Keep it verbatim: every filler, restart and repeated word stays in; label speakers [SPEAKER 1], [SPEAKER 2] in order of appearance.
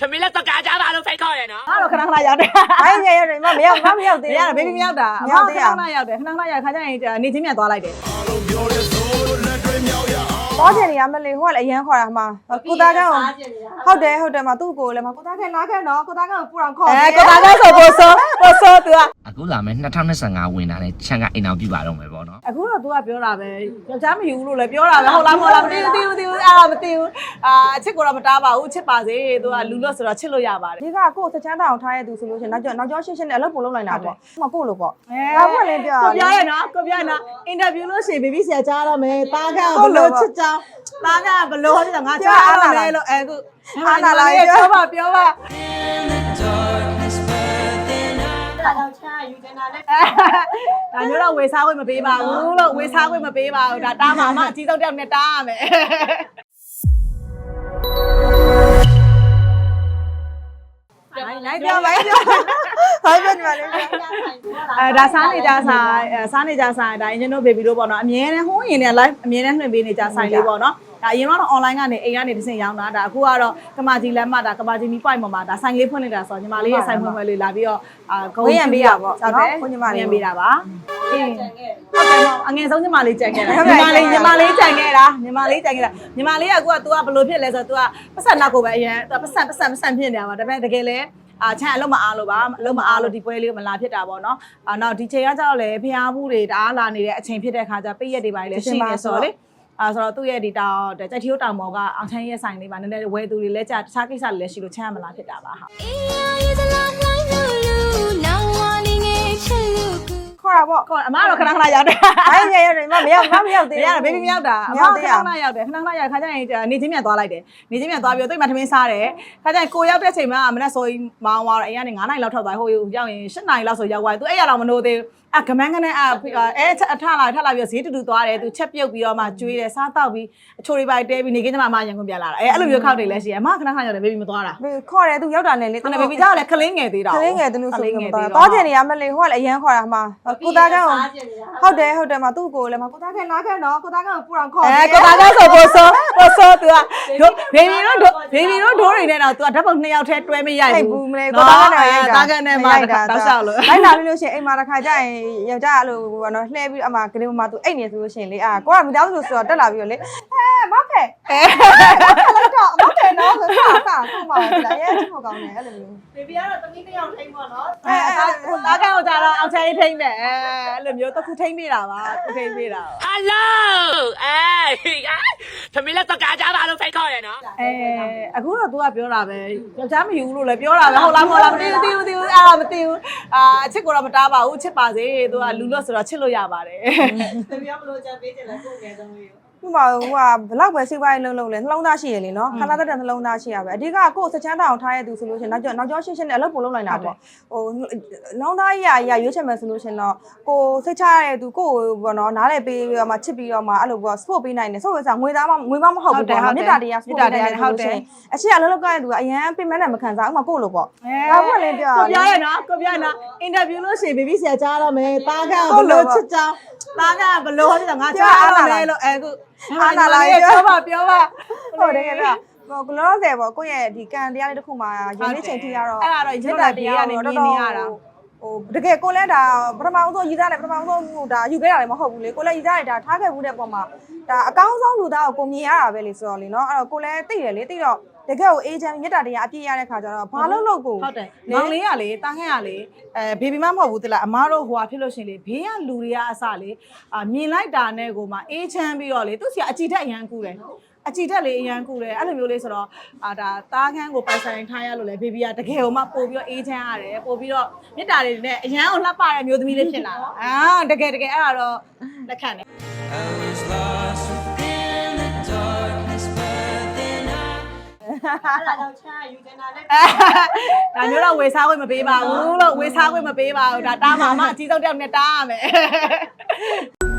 [SPEAKER 1] သမီးလည်းစကားကြားပါလို့ဖိတ်ခေါ်ရနော်
[SPEAKER 2] အဲ့တော့ခဏခဏရောက်တယ်
[SPEAKER 3] ဘိုင်းငယ်ရတယ်မမရောက်မရောက်သေး
[SPEAKER 2] ဘူးရတယ်ဘေဘီမရောက်တာအမခဏခဏရောက်တယ်ခဏခဏရောက်ခါကျရင်နေချင်းမြန်သွားလိုက်တယ်
[SPEAKER 3] တော့ချင်နေရမလေးဟိုကလည်းအရန်ခေါ်တာမှာကိုသားကန်းဟုတ်တယ်ဟုတ်တယ်မှာသူ့ကိုလည်းမှာကိုသားကန်းလာခဲ့နော်ကိုသားကန်းကိုပူအောင်ခေါ်
[SPEAKER 2] အဲကိုသားကန်းဆိုပို့ဆိုပို့ဆိုသူက
[SPEAKER 1] အခုလာမယ်နှစ်ထောင်နှစ်ဆယ်ငါဝင်တာနဲ့ချန်ကအိမ်အောင်ပြပါတော့မယ်ပေါ့နော်
[SPEAKER 2] အခုတော့ तू ကပြောတာပဲယောက်ျားမယူဘူးလို့လည်းပြောတာပဲဟုတ်လားမဟုတ်လားမသိဘူးသိဘူးသိဘူးအဲ့ဒါမသိဘူးအာအချစ်ကိုတော့မတားပါဘူးချစ်ပါစေ तू ကလူလို့ဆိုတော့ချစ်လို့ရပါတယ်
[SPEAKER 3] ဒီကကိုစချမ်းတောင်ထားရသူဆိုလို့ရှိရင်နောက်ကျော်နောက်ကျော်ရှင်းရှင်းနဲ့အလုပ်ပုံလုပ်နိုင်တာပေါ့ဟိုကိုလို့ပေါ့ဒါကလည်းပြော
[SPEAKER 2] ကိုပြောရနော်ကိုပြောရနော်အင်တာဗျူးလို့ရှိရင်ဘေဘီဆရာကြားတော့မယ်တားကဘလို့ချစ်ကြောင်းတားကဘလို့ဟောတယ်ငါကြားရမယ်လို့အဲခု
[SPEAKER 3] အားနာလာ
[SPEAKER 2] ပြောပါပြောပါ
[SPEAKER 3] တော့ချာယူတင်တာနဲ့
[SPEAKER 2] ဒါမျိုးတော့ဝေစားခွင့်မပေးပါဘူးလို့ဝေစားခွင့်မပေးပါဘူးဒါတားမှာအမအကြီးဆုံးတက်နဲ့တားရမယ်လိုက်ပြောလိုက်ပြော
[SPEAKER 3] ဟုတ်ပြနေပါလေ
[SPEAKER 2] အဲဒါစားနေကြဆိုင်စားနေကြဆိုင်ဒါအင်ဂျင်တို့ဘေဘီတို့ပေါ့နော်အမြဲတမ်းဟိုးရင်နဲ့ live အမြဲတမ်းလွှင့်ပေးနေကြဆိုင်လေးပေါ့နော်ဒါအရင်တော့ online ကနေအိမ်ကနေတစ်ဆင့်ရောင်းတာဒါအခုကတော့ကမာကြီးလမ်းမဒါကမာကြီးမီ point ပေါ်မှာဒါဆိုင်လေးဖွင့်နေတာဆိုတော့ညီမလေးရဲ့ဆိုင်ဖွင့်ပွဲလေးလာပြီးတော့အာ
[SPEAKER 3] ဂုံးရံပေးတာပေါ့
[SPEAKER 2] ဟုတ်တယ်
[SPEAKER 3] ကိုညီမလေး
[SPEAKER 2] ရံပေးတာပါအေးဟုတ်တယ်အငယ်ဆုံးညီမလေးကြံခဲ့တာညီမလေးညီမလေးကြံခဲ့တာညီမလေးကြံခဲ့တာညီမလေးကအခုက तू ကဘယ်လိုဖြစ်လဲဆိုတော့ तू ကပတ်စံနောက်ကိုပဲအရင် तू ပတ်စံပတ်စံပတ်စံဖြစ်နေတာပါဒါပေမဲ့တကယ်လဲအာချမ်းအလုံးမအားလို့ပါအလုံးမအားလို့ဒီပွဲလေးကိုမလာဖြစ်တာပေါ့နော်အာနောက်ဒီချိန်ကကျတော့လေဖျားဘူးတွေတအားလာနေတဲ့အချိန်ဖြစ်တဲ့ခါကျပိတ်ရက်တွေပါလေရှိနေဆိုတော့လေအာဆိုတော့သူ့ရဲ့ဒီတောင်ကြိုက်ထီယိုတောင်မော်ကအောင်ချမ်းရဲ့ဆိုင်လေးပါနည်းနည်းဝဲသူတွေလဲကြာတခြားကိစ္စတွေလည်းရှိလို့ချမ်းမလာဖြစ်တာပါဟာ
[SPEAKER 3] ခေါ်တာပေါ့
[SPEAKER 2] ခေါ်အမတော့ခဏခဏရောက်တယ်
[SPEAKER 3] ဘိုင်းငယ်ရတယ်မမရောက်မရောက်သေး
[SPEAKER 2] ဘူးရတယ်ဘေဘီမရောက်တာအမခဏခဏရောက်တယ်ခဏခဏရောက်ခါကျရင်နေချင်းမြန်သွားလိုက်တယ်နေချင်းမြန်သွားပြီးတော့တိတ်မှထမင်းစားတယ်ခါကျရင်ကိုရောက်တဲ့အချိန်မှာမနက်စောကြီးမောင်းသွားတော့အိမ်ကနေ9နာရီလောက်ထွက်သွားဟိုရောက်ရင်10နာရီလောက်ဆိုရောက်သွားသူအဲ့ရတော့မနိုးသေးဘူးအကမန်းကနေအဲအထလာထလာပြီးဈေးတူတူသွားတယ်သူချက်ပြုတ်ပြီးတော့မှကျွေးတယ်စားတော့ပြီးအချိုတွေပါတဲပြီးနေကင်းကျမအမရန်ကုန်ပြန်လာတာအဲအဲ့လိုမျိုးခောက်တွေလည်းရှိတယ်အမခဏခဏရောက်တယ်ဘေဘီမသွားတာ
[SPEAKER 3] ခေါ်တယ်သူရောက်တာနဲ့လေ
[SPEAKER 2] သူဘေဘီကြောက်လည်းခလင်းငယ်သေးတာ
[SPEAKER 3] ခလင်းငယ်သူလို့ဆိုပြီးတော့ချင်နေရမလေးဟိုကလည်းအရန်ခေါ်တာမှာကိုသားကန်းဟုတ်တယ်ဟုတ်တယ်မှာသူ့ကိုလည်းမှာကိုသားကန်းလာခဲ့နော်ကိုသားကန်းကိုပူအောင်ခေါ်
[SPEAKER 2] အဲကိုသားကန်းဆိုပို့ဆိုပို့ဆိုသူကဘေဘီတို့ဘေဘီတို့ဒိုးတွေနဲ့တော့သူကဓာတ်ပုံနှစ်ယောက်ထဲတွဲမရိုက်ဘူး
[SPEAKER 3] မလေးကိုသားကန်းနဲ့ရိုက်တာ
[SPEAKER 2] သားကန်းနဲ့မှာတောက်လျှောက်လို့
[SPEAKER 3] လိုက်လာလို့ရှိရင်အိမ်မှာတစ်ခါကျရင်ယောက်ျားအဲ့လိုဘောနော်လှဲပြီးအမကလေးမမသူအိတ်နေဆိုလို့ရှိရင်လေအာကိုကမိသားစုဆိုတော့တက်လာပြီးတော့လေအဲမဖဲအဲလိုက်တော့မဖဲနော်ဆိုတော့စာဆုံးပါလားရဲချစ်ဖို့ကောင်းတယ်အဲ့လိုမျိုး
[SPEAKER 2] ဘေဘီကတော့တမီးတစ်ယောက်ထိန်းပေါ့နော်အဲသားကန်းကိုကြတော့အောင်ချမ်းထိန်းတယ်အဲအဲ့လိုမျိုးတစ်ခုထိန်းပေးတာပါသူထိန်းပေးတာ
[SPEAKER 1] ဟယ်လိုအေးသမီးလည်းစကားကြားပါလို့ဖိတ်ခေါ်ရနော်
[SPEAKER 2] အဲအခုတော့ तू ကပြောတာပဲယောက်ျားမယူဘူးလို့လည်းပြောတာပဲဟုတ်လားမဟုတ်လားမသိဘူးသိဘူးသိဘူးအဲ့ဒါမသိဘူးအာအချစ်ကိုတော့မတားပါဘူးချစ်ပါစေ तू ကလူလို့ဆိုတော့ချစ်လို့ရပါတယ်
[SPEAKER 3] သမီးကဘလို့ကြံပေးချင်လဲကိုယ်ငယ်ဆုံးလေးဥမာဟိုကဘလောက်ပဲစိတ်ပိုင်းလုံးလုံးလဲနှလုံးသားရှိရလေနော်ခဏတက်တဲ့နှလုံးသားရှိရပဲအဓိကကိုယ်စချမ်းတောင်ထားရသူဆိုလို့ရှိရင်နောက်ကျော်နောက်ကျော်ရှင်းရှင်းနဲ့အလုပ်ပုံလုပ်နိုင်တာပေါ့ဟိုနှလုံးသားကြီးရာရွေးချယ်မယ်ဆိုလို့ရှိရင်တော့ကိုစိတ်ချရတဲ့သူကိုဘောနော်နားလေပေးပြီးတော့မှချစ်ပြီးတော့မှအဲ့လိုပေါ့ support ပေးနိုင်တယ်ဆိုတော့ငွေသားမငွေမမဟုတ်ဘူးပေါ့မေတ္တာတရား support ပေးနိုင်တယ်ဟုတ်တယ်အချစ်အလုပ်လုပ်ကြတဲ့သူကအရန်ပြင်မနဲ့မခံစားဥမာကိုလို့ပေါ့ဒါမှလည်းပြော
[SPEAKER 2] ကိုပြောရနော်ကိုပြောရနော်အင်တာဗျူးလို့ရှိရင်ဘေဘီဆရာကြားတော့မယ်တားကဘလို့ချစ်ကြောင်းတားကဘလို့ဟောတယ်ငါကြားရမယ်လို့အဲခု
[SPEAKER 3] အားနာလာ
[SPEAKER 2] ပြောပါပြောပါ
[SPEAKER 3] ဟုတ်တယ်ကဲဟိုကလောဆယ်ပေါ့ကိုယ့်ရဲ့ဒီကံတရားလေးတစ်ခုမှာယနေ့ချိန်ထိရတော့
[SPEAKER 2] အဲ့ဒါတော့မေတ္တာတရားကနေမြင်နေရတာ
[SPEAKER 3] ဟိုတကယ်ကိုလည်းဒါပထမဆုံးယူသားတယ်ပထမဆုံးဟိုဒါယူခဲ့တာလည်းမဟုတ်ဘူးလေကိုလည်းယူသားတယ်ဒါထားခဲ့ဘူးတဲ့ပုံမှာဒါအကောင်းဆုံးလူသားကိုကိုမြင်ရတာပဲလေဆိုတော့လေနော်အဲ့တော့ကိုလည်းသိတယ်လေသိတော့တကယ်ကိုအေဂျင့်မေတ္တာတရားအပြည့်ရတဲ့ခါကျတော့ဘာလို့လို့ကို
[SPEAKER 2] ဟုတ်တယ်မောင်လေးကလေတားခဲ့ရလေအဲဘေဘီမမဟုတ်ဘူးတလားအမားတို့ဟိုဟာဖြစ်လို့ရှင်လေဘေးကလူတွေကအစလေအာမြင်လိုက်တာနဲ့ကိုမှအေးချမ်းပြီးတော့လေသူစီကအကြည်တက်အရန်ကူတယ်အကြည်တက်လေအရန်ကူတယ်အဲ့လိုမျိုးလေးဆိုတော့အာဒါတားခန်းကိုပိုင်ဆိုင်ထားရလို့လေဘေဘီကတကယ်ဟိုမှပို့ပြီးတော့အေးချမ်းရတယ်ပို့ပြီးတော့မေတ္တာတွေနဲ့အရန်ကိုလှပတဲ့မျိုးသမီးလေးဖြစ်လာတာအာတကယ်တကယ်အဲ့ဒါတော့လက်ခံတယ်
[SPEAKER 3] အဲ့ဒါတော့ချာယူတင်တာနဲ့
[SPEAKER 2] ဒါမျိုးတော့ဝေစားခွင့်မပေးပါဘူးလို့ဝေစားခွင့်မပေးပါဘူးဒါတားမှာအမအကြီးဆုံးတယောက်နဲ့တားရမယ်